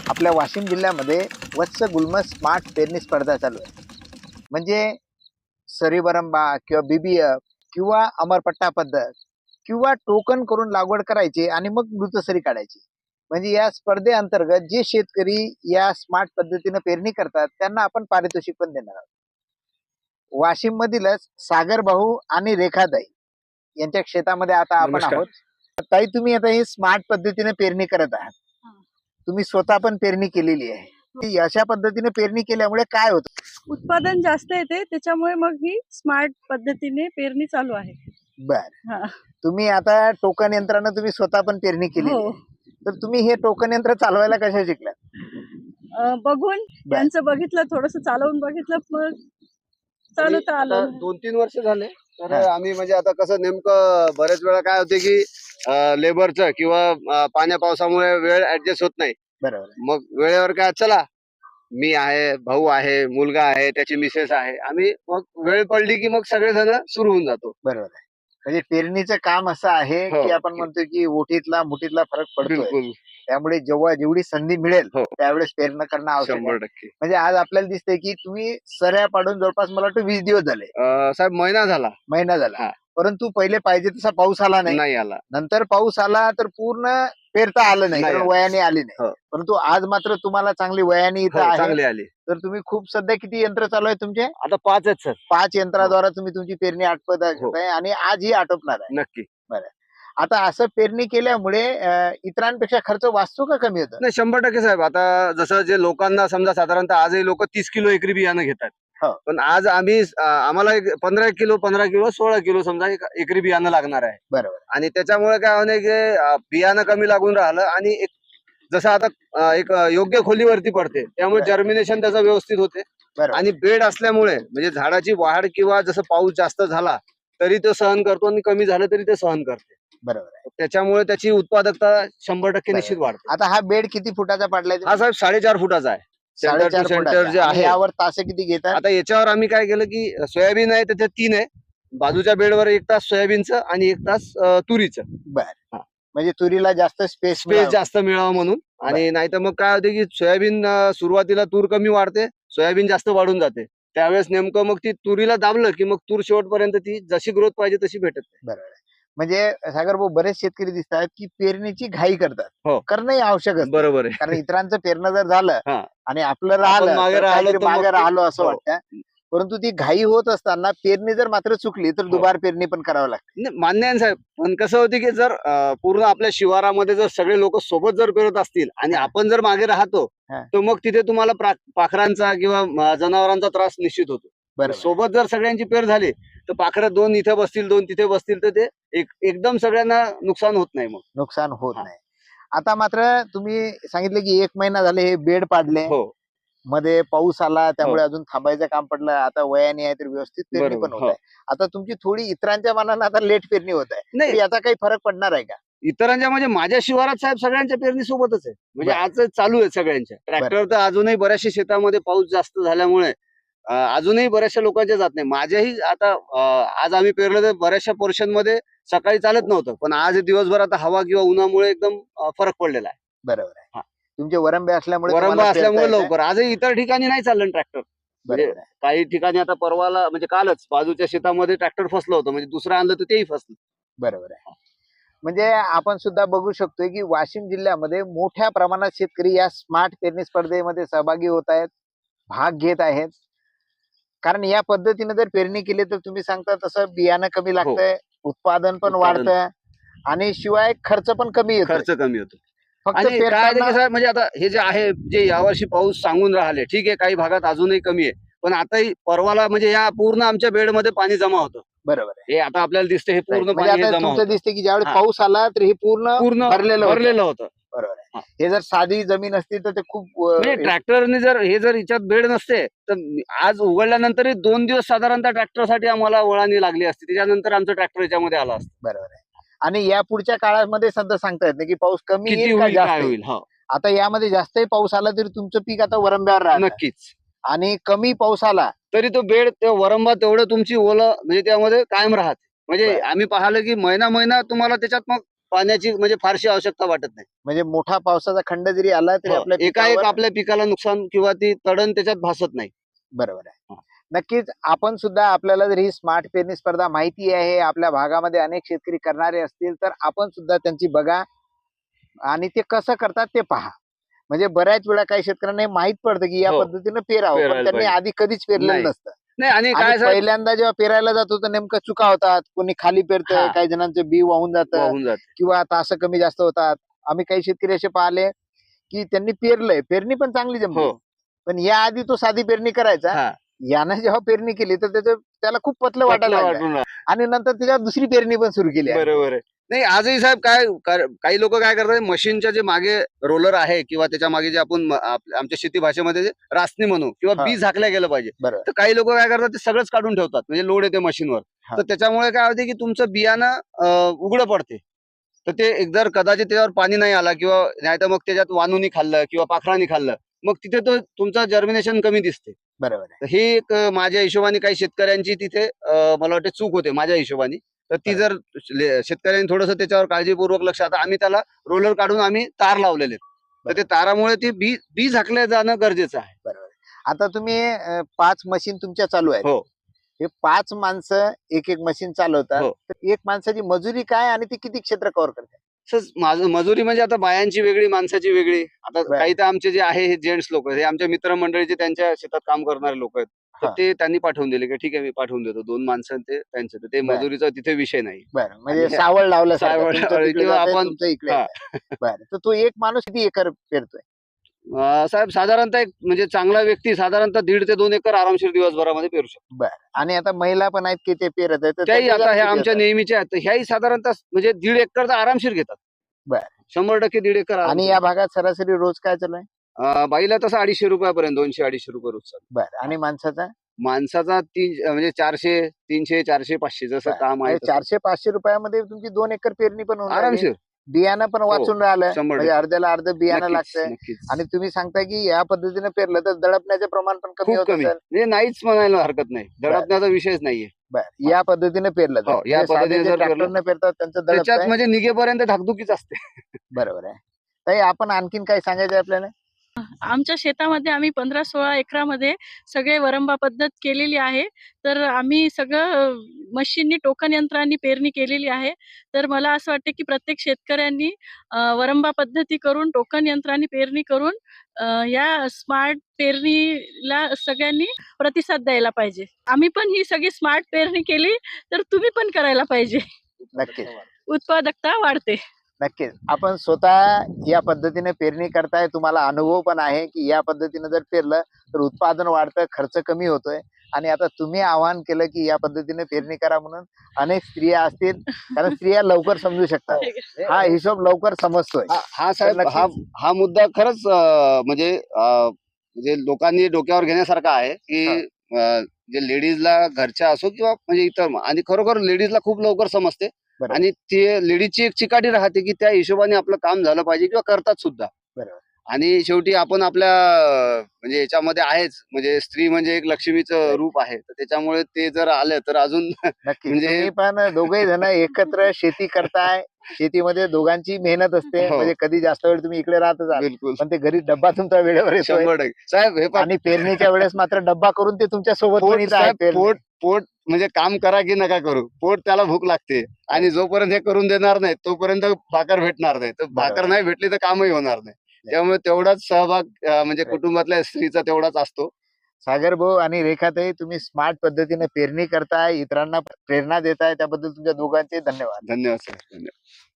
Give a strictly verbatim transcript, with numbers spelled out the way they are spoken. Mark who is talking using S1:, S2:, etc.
S1: आपल्या वाशिम जिल्ह्यामध्ये वत्स गुल्म स्मार्ट पेरणी स्पर्धा चालू आहे. म्हणजे सरीवरंबा किंवा बीबीएफ किंवा अमरपट्टा पद्धत किंवा टोकन करून लागवड करायची आणि मग मृतसरी काढायची. म्हणजे या स्पर्धेअंतर्गत जे शेतकरी या स्मार्ट पद्धतीने पेरणी करतात त्यांना आपण पारितोषिक पण देणार आहोत. वाशिम मधीलच सागर भाऊ आणि रेखाताई यांच्या शेतामध्ये आता आपण
S2: नमस्कार.
S1: आहोत. ताई, तुम्ही आता ही स्मार्ट पद्धतीने पेरणी करत आहात. तुम्ही स्वतः पण पेरणी केलेली आहे. ती अशा पद्धतीने पेरणी केल्यामुळे काय होतं?
S3: उत्पादन जास्त येते, त्याच्यामुळे मग ही स्मार्ट पद्धतीने पेरणी चालू आहे.
S1: बर,
S3: हा.
S1: तुम्ही आता टोकन यंत्रानं तुम्ही स्वतः पण पेरणी केली
S3: हो.
S1: तर तुम्ही हे टोकन यंत्र चालवायला कशा शिकलात?
S3: अं, बघून त्यांचं बघितलं, थोडस चालवून बघितलं, मग चालवता
S2: आता
S3: आलं.
S2: दोन तीन वर्ष झाले तर
S1: हा.
S2: आम्ही म्हणजे आता कसं नेमकं बऱ्याच वेळा काय होते की लेबरचं किंवा अं, पाण्या पावसामुळे वेळ ऍडजस्ट होत नाही.
S1: बरोबर आहे.
S2: मग वेळेवर काय चला मी आहे, भाऊ आहे, मुलगा आहे, त्याची मिसेस आहे, आम्ही मग वेळ पडली की मग सगळेजण सुरू होऊन जातो.
S1: बरोबर आहे. म्हणजे पेरणीचं काम असं आहे
S2: हो.
S1: की आपण म्हणतो की ओठीतला मुठीतला फरक पडतोय.
S2: बिलकुल
S1: त्यामुळे जेव्हा जेवढी संधी मिळेल
S2: हो.
S1: त्यावेळेस पेरणं करणं आवश्यक आहे.
S2: शंभर टक्के.
S1: म्हणजे आज आपल्याला दिसतंय की तुम्ही सऱ्या पाडून जवळपास मला वाटतं वीस दिवस झाले,
S2: अं, साहेब महिना झाला
S1: महिना झाला.
S2: हा.
S1: परंतु पहिले पाहिजे तसा पाऊस आला नाही.
S2: नाही आला.
S1: नंतर पाऊस आला तर पूर्ण पेरता आलं नाही,
S2: नाही
S1: कारण
S2: आलं.
S1: वयाने आली नाही.
S2: हो.
S1: परंतु आज मात्र तुम्हाला चांगली वयाने इथं
S2: हो,
S1: आहे.
S2: चांगली आली.
S1: तर तुम्ही खूप सध्या किती यंत्र चालू आहे तुमचे?
S2: आता पाच आहेत सर.
S1: पाच यंत्राद्वारा तुम्ही तुमची पेरणी आटपत
S2: हो.
S1: आहे आणि आज ही आटोपणार आहे.
S2: नक्की.
S1: आता असं पेरणी केल्यामुळे अं, इतरांपेक्षा खर्च वाचतो का कमी होतो?
S2: नाही, शंभर टक्के साहेब. आता जसं जे लोकांना समजा साधारणतः आजही लोक तीस किलो एकरी बियाणं घेतात.
S1: हो.
S2: पण आज आम्ही अं, आम्हाला एक पंधरा किलो पंधरा किलो सोळा किलो समजा एक एकरी बियाणं लागणार आहे.
S1: बरोबर.
S2: आणि त्याच्यामुळे काय होणे की अं, बियाणं कमी लागून राहिलं आणि एक जसं आता अं, एक अं, योग्य खोलीवरती पडते, त्यामुळे
S1: बरं.
S2: जर्मिनेशन त्याचं व्यवस्थित होते.
S1: बरोबर.
S2: आणि बेड असल्यामुळे म्हणजे झाडाची वाढ किंवा जसं पाऊस जास्त झाला तरी तो सहन करतो आणि कमी झालं तरी ते सहन करते.
S1: बरोबर आहे.
S2: त्याच्यामुळे त्याची उत्पादकता शंभर टक्के
S1: बरोबर.
S2: निश्चित वाढते.
S1: आता हा बेड किती फुटाचा पाडलाय?
S2: हा साहेब साडेचार फुटाचा आहे. सेंटर
S1: साडेचार
S2: टू सेंटर
S1: फुटाचा.
S2: जे
S1: आणि
S2: आहे.
S1: यावर तासे किती घेतात?
S2: आता याच्यावर आम्ही काय केलं की सोयाबीन आहे त्याच्यात तीन आहे, बाजूच्या बेडवर एक तास सोयाबीनचं आणि एक तास अं, तुरीचं.
S1: बर.
S2: हा.
S1: म्हणजे तुरीला जास्त स्पेस
S2: स्पेस जास्त मिळावं म्हणून. आणि नाही तर मग काय होते की सोयाबीन अं, सुरुवातीला तूर कमी वाढते, सोयाबीन जास्त वाढून जाते. त्यावेळेस नेमकं मग ती तुरीला दाबलं की मग तूर शेवटपर्यंत ती जशी ग्रोथ पाहिजे तशी भेटत नाही.
S1: बरोबर आहे. म्हणजे सागर भाऊ, बरेच शेतकरी दिसतात की पेरणीची घाई करतात.
S2: हो.
S1: करणंही आवश्यक असतं.
S2: बरोबर आहे.
S1: कारण इतरांचं पेरणं जर झालं
S2: हा.
S1: आणि आपलं राहिलं
S2: मागे
S1: तर
S2: राहिलो
S1: काहीतरी
S2: तर मग
S1: मागे
S2: ते-
S1: राहिलो असं
S2: हो.
S1: वाटतं. परंतु ती घाई होत असताना पेरणी जर मात्र चुकली तर
S2: हो.
S1: दुबार पेरणी पण करावं लागते.
S2: नाही, मान्य आहे ना साहेब. पण कसं होते की जर अं, पूर्ण आपल्या शिवारामध्ये जर सगळे लोक सोबत जर पेरत असतील आणि
S1: हा.
S2: आपण जर मागे राहतो
S1: हा.
S2: तर मग तिथे तुम्हाला प्रा- पाखरांचा किंवा अं, जनावरांचा त्रास निश्चित होतो.
S1: बरोबर.
S2: सोबत जर सगळ्यांची पेर झाली तर पाखरं दोन इथे बसतील दोन तिथे बसतील तर ते एक एकदम सगळ्यांना नुकसान होत नाही. मग
S1: नुकसान होत
S2: हा.
S1: नाही. आता मात्र तुम्ही सांगितले की एक महिना झाले हे बेड पाडले,
S2: हो.
S1: मध्ये पाऊस आला त्यामुळे अजून थांबायचं काम पडलं. आता वयाने आहे तर व्यवस्थित पेरणी
S2: बरोबर.
S1: पण होत
S2: हो.
S1: आहे. आता तुमची थोडी इतरांच्या मानानं आता लेट पेरणी होत आहे. तर
S2: नाही,
S1: याचा काही फरक पडणार आहे का?
S2: इतरांच्या म्हणजे माझ्या शिवारात साहेब सगळ्यांच्या पेरणी सोबतच आहे. म्हणजे
S1: बरं.
S2: आज चालू आहे सगळ्यांच्या. ट्रॅक्टर तर अजूनही बऱ्याचशा शेतामध्ये पाऊस जास्त झाल्यामुळे अं, अजूनही बऱ्याचशा लोकांच्या जात नाही. माझ्याही आता अं, आज आम्ही पेरलं तर बऱ्याचशा पोर्शन मध्ये सकाळी चालत नव्हतं, पण आज दिवसभर आता हवा किंवा उन्हामुळे एकदम अं, फरक पडलेला आहे.
S1: बरोबर आहे.
S2: हा.
S1: तुमचे वरंबे असल्यामुळे
S2: वरंबा
S1: तुम्हाला
S2: असल्यामुळे
S1: पेरता येतंय.
S2: लवकर. आजही इतर ठिकाणी नाही चाललं ट्रॅक्टर. म्हणजे
S1: बरोबर आहे.
S2: काही ठिकाणी आता परवाला म्हणजे कालच बाजूच्या शेतामध्ये ट्रॅक्टर फसलं होतं, म्हणजे दुसरं आणलं तर तेही फसलं.
S1: बरोबर आहे. म्हणजे आपण सुद्धा बघू शकतोय की वाशिम जिल्ह्यामध्ये मोठ्या प्रमाणात शेतकरी या स्मार्ट पेरणी स्पर्धेमध्ये सहभागी होत आहेत, भाग घेत आहेत. कारण या पद्धतीने जर पेरणी केली तर तुम्ही सांगता तसं बियाणं कमी लागतंय, उत्पादन पण
S2: उत्पादन.
S1: वाढतंय आणि शिवाय खर्च पण कमी येतो.
S2: खर्च कमी होतो.
S1: फक्त
S2: आणि काय आहे
S1: पेरताना
S2: की साहेब, म्हणजे आता हे जे आहे जे यावर्षी पाऊस सांगून राहिले, ठीक आहे, काही भागात अजूनही कमी आहे, पण आताही परवाला म्हणजे या पूर्ण आमच्या बेडमध्ये पाणी जमा होतं.
S1: बरोबर आहे.
S2: हे आता आपल्याला दिसते हे पूर्ण
S1: म्हणजे
S2: पाणी हे
S1: आता
S2: जमा
S1: तुमचं
S2: होतं.
S1: दिसते की ज्यावेळी
S2: हा.
S1: पाऊस आला तर हे पूर्ण
S2: पूर्ण
S1: भरलेलं होतं.
S2: भरलेलं होतं.
S1: बरोबर आहे.
S2: हा.
S1: हे जर साधी जमीन असती तर ते खूप
S2: म्हणजे
S1: अं,
S2: ट्रॅक्टरने जर हे जर याच्यात बेड नसते तर आज उघडल्यानंतरही दोन दिवस साधारणतः ट्रॅक्टरसाठी आम्हाला वळानी लागली असती. त्याच्यानंतर आमचं ट्रॅक्टर याच्यामध्ये आलं असतं.
S1: बरोबर आहे. आणि या पुढच्या काळामध्ये सध्या सांगता येत नाही की पाऊस कमी
S2: किती
S1: येईल का
S2: होईल
S1: जास्त
S2: काय
S1: येईल.
S2: होईल. हो,
S1: आता यामध्ये जास्तही पाऊस आला तरी तुमचं पीक आता वरंब्यावर राहतं
S2: नक्कीच.
S1: आणि कमी पाऊस आला
S2: तरी तो बेड ते वरंबा तेवढं तुमची ओलं म्हणजे त्यामध्ये कायम राहते. म्हणजे
S1: बरं.
S2: आम्ही पाहिलं की महिना महिना तुम्हाला त्याच्यात मग पाण्याची म्हणजे फारशी आवश्यकता वाटत नाही.
S1: म्हणजे मोठा पावसाचा खंड जरी आला तरी
S2: हो,
S1: आपल्या
S2: एकाएक
S1: पिकावर-
S2: आपल्या पिकाला नुकसान किंवा ती तडण त्याच्यात भासत नाही.
S1: बरोबर आहे.
S2: हा.
S1: नक्कीच आपण सुद्धा, आपल्याला जर ही स्मार्ट पेरणी स्पर्धा माहिती आहे, आपल्या भागामध्ये अनेक शेतकरी करणारे असतील, तर आपण सुद्धा त्यांची बघा आणि ते कसं करतात ते पहा. म्हणजे बऱ्याच वेळा काही शेतकऱ्यांना हे माहित पडतं की या
S2: हो.
S1: पद्धतीनं पेरावं, पण
S2: पेरायला
S1: त्यांनी
S2: पाहिजे.
S1: आधी कधीच पेरलेलं
S2: नाही.
S1: नसतं.
S2: नाही आणि
S1: आणि
S2: काय साहेब
S1: पहिल्यांदा जेव्हा पेरायला जातो तर नेमकं चुका होतात. कोणी खाली पेरतंय,
S2: हा.
S1: काही जणांचं बी वाहून जातं
S2: वाहून जाते.
S1: किंवा तास कमी जास्त होतात. आम्ही काही शेतकरी असे पाहिले की त्यांनी पेरलंय, पेरणी पण चांगली जमली,
S2: हो.
S1: पण या आधी तो साधी पेरणी करायचा.
S2: हा.
S1: यानं जेव्हा पेरणी केली तर त्याचं त्याला खूप पतलं वाटायला
S2: पतलं
S1: लागलं
S2: वाटून राहिलं.
S1: आणि नंतर त्याच्यावर दुसरी पेरणी पण सुरू केली आहे.
S2: बरोबर आहे. नाही आजही साहेब काय कर- काही लोक काय करतात, मशीनच्या जे मागे रोलर आहे किंवा त्याच्या मागे जे आपण म- आप- आमच्या शेती भाषेमध्ये जे रासनी म्हणू किंवा
S1: हा.
S2: बी झाकल्या गेलं पाहिजे,
S1: बरोबर.
S2: तर काही लोक काय करतात ते सगळंच काढून ठेवतात, म्हणजे लोड येते मशीनवर.
S1: हा.
S2: तर त्याच्यामुळे काय होते की तुमचं बियाणं अं, उघडं पडते. तर ते एक जर कदाचित त्याच्यावर पाणी नाही आला किंवा नाही तर मग त्याच्यात वानूनी खाल्लं किंवा पाखरानी खाल्लं, मग तिथे तो तुमचा जर्मिनेशन कमी दिसते.
S1: बरोबर आहे.
S2: तर ही एक अं, माझ्या हिशोबाने काही शेतकऱ्यांची तिथे अं, मला वाटते चूक होते माझ्या हिशोबाने. तर ती जर ले- शेतकऱ्यांनी थोडंसं त्याच्यावर काळजीपूर्वक लक्ष, आता आम्ही त्याला रोलर काढून आम्ही तार लावलेले आहेत. तर ते तारामुळे ती बी बी झाकल्या जाणं गरजेचं आहे.
S1: बरोबर आहे. आता तुम्ही अं, पाच मशीन तुमच्या चालू आहेत.
S2: हो.
S1: हे पाच माणसं एक एक मशीन चालवतात.
S2: हो.
S1: तर एक माणसाची मजुरी काय आणि ती किती क्षेत्र कव्हर करते?
S2: तसंच माझं मजुरी म्हणजे आता बायांची वेगळी, माणसाची वेगळी. आता
S1: बरं.
S2: काही तर आमचे जे आहे हे जेंट्स लोक, हे आमच्या मित्रमंडळीचे त्यांच्या शेतात काम करणारे लोक आहेत. तर
S1: हा.
S2: ते त्यांनी पाठवून दिले की ठीक आहे मी पाठवून देतो. दोन माणसं ते त्यांचं, तर ते
S1: बरं.
S2: मजुरीचा तिथे विषय नाही.
S1: बरं, म्हणजे
S2: आणि-
S1: सावळ लावलं
S2: सावळ लावलं किंवा आपण-
S1: इकडे
S2: हा.
S1: येतंय. बरं, तर तो एक माणूस किती एकर पेरतोय?
S2: अं, साहेब साधारणतः एक म्हणजे चांगला व्यक्ती साधारणतः दीड ते दोन एकर आरामशीर दिवसभरामध्ये पेरू शकतो.
S1: बरं, आणि आता महिला पण आहेत की ते पेरत आहेत, तर
S2: त्याही
S1: त्यांचं
S2: आता हे
S1: किती
S2: आमच्या
S1: येतं?
S2: नेहमीच्या आहेत, तर ह्याही साधारणतः म्हणजे दीड एकर तर आरामशीर घेतात.
S1: बरं.
S2: शंभर टक्के दीड एकर
S1: आणि
S2: आरामशीर.
S1: या भागात सरासरी रोज काय चालू आहे?
S2: अं, बाईला तसं अडीचशे रुपयापर्यंत, दोनशे अडीचशे रुपये रोज चालू.
S1: बरं, आणि माणसाचा
S2: माणसाचा तीन म्हणजे चारशे तीनशे चारशे पाचशे जसं
S1: बरं.
S2: काम आहे
S1: म्हणजे
S2: तसं.
S1: चारशे पाचशे रुपयामध्ये तुमची दोन एकर पेरणी पण होऊन राहिली.
S2: आरामशीर.
S1: बियाणं पण वाचून राहिलं,
S2: शंभर
S1: म्हणजे
S2: टक्के.
S1: अर्ध्याला अर्ध बियाणं
S2: नक्कीच,
S1: लागतंय.
S2: नक्कीच.
S1: आणि तुम्ही सांगताय की या पद्धतीने पेरलं तर दडपण्याचे प्रमाण पण कमी
S2: खूप
S1: होत
S2: कमी,
S1: असेल.
S2: म्हणजे नाहीच म्हणायला हरकत नाही. दडपण्याचा विषयच नाहीये.
S1: बरं, या पद्धतीने पेरलं तर
S2: हो, या
S1: म्हणजे साधे
S2: पद्धतीने
S1: जे
S2: जर पेरलं,
S1: ट्रॅक्टरने पेरतात त्यांचं दडप
S2: त्याच्यात
S1: आहे.
S2: म्हणजे निघेपर्यंत धाकधुकीच असते.
S1: बरोबर आहे. ताई, आपण आणखीन काय सांगायचं आहे आपल्याला?
S3: आमच्या शेतामध्ये आम्ही पंधरा सोळा एकरामध्ये सगळे वरंबा पद्धत केलेली आहे. तर आम्ही सगळं मशीननी, टोकन यंत्रांनी पेरणी केलेली आहे. तर मला असं वाटतं की प्रत्येक शेतकऱ्यांनी अ, वरंबा पद्धती करून, टोकन यंत्रांनी पेरणी करून अ, या स्मार्ट पेरणीला सगळ्यांनी प्रतिसाद द्यायला पाहिजे. आम्ही पण ही सगळी स्मार्ट पेरणी केली तर तुम्ही पण करायला पाहिजे.
S1: नक्कीच.
S3: उत्पादकता वाढते.
S1: नक्कीच. आपण स्वतः या पद्धतीने पेरणी करताय, तुम्हाला अनुभव पण आहे की या पद्धतीने जर पेरलं तर उत्पादन वाढतं, खर्च कमी होतोय. आणि आता तुम्ही आवाहन केलं की या पद्धतीने पेरणी करा म्हणून. अनेक स्त्रिया असतील, कारण स्त्रिया लवकर समजू शकतात, हा हिशोब लवकर समजतोय.
S2: हा हा साहेब,
S1: नक्कीच.
S2: हा हा मुद्दा खरंच अं, म्हणजे अं, म्हणजे लोकांनी डोक्यावर घेण्यासारखा आहे की अं, जे लेडीजला घरच्या असो किंवा म्हणजे इतर, आणि खरोखर लेडीजला खूप लवकर समजते.
S1: बरोबर.
S2: आणि ते लेडीजची एक चिकाटी राहते की त्या हिशोबाने आपलं काम झालं पाहिजे किंवा करतात सुद्धा.
S1: बरोबर.
S2: आणि शेवटी आपण आपल्या अं, म्हणजे याच्यामध्ये आहेच, म्हणजे स्त्री म्हणजे एक लक्ष्मीचं रूप आहे, तर त्याच्यामुळे ते जर आलं तर अजून
S1: नक्की.
S2: म्हणजे-
S1: तुम्ही पण दोघे जण एकत्र शेती करताय. शेतीमध्ये दोघांची मेहनत असते.
S2: हो.
S1: म्हणजे कधी जास्त वेळ तुम्ही इकडे राहत असाल,
S2: बिलकुल
S1: पण ते घरी डब्बा तुमचा वेळेवर येतोय.
S2: शंभर टक्के साहेब, हे पहा,
S1: आणि पेरणीच्या वेळेस मात्र डब्बा करून ते तुमच्या सोबत पण
S2: पोट
S1: इथं आहे
S2: साहेब,
S1: पेरणी.
S2: पोट पोट म्हणजे काम करा की नका करू, पोट त्याला भूक लागते. आणि जोपर्यंत हे करून देणार नाही तोपर्यंत भाकर भेटणार नाही. तर भाकर
S1: बरोबर.
S2: नाही भेटली तर कामही होणार नाही. त्यामुळे तेवढाच सहभाग अं, म्हणजे कुटुंबातल्या स्त्रीचा तेवढाच असतो.
S1: सागर भाऊ आणि रेखाताई, तुम्ही स्मार्ट पद्धतीने पेरणी करताय, इतरांना प्रेरणा देताय, त्याबद्दल तुमच्या दोघांचे धन्यवाद.
S2: धन्यवाद सर, धन्यवाद.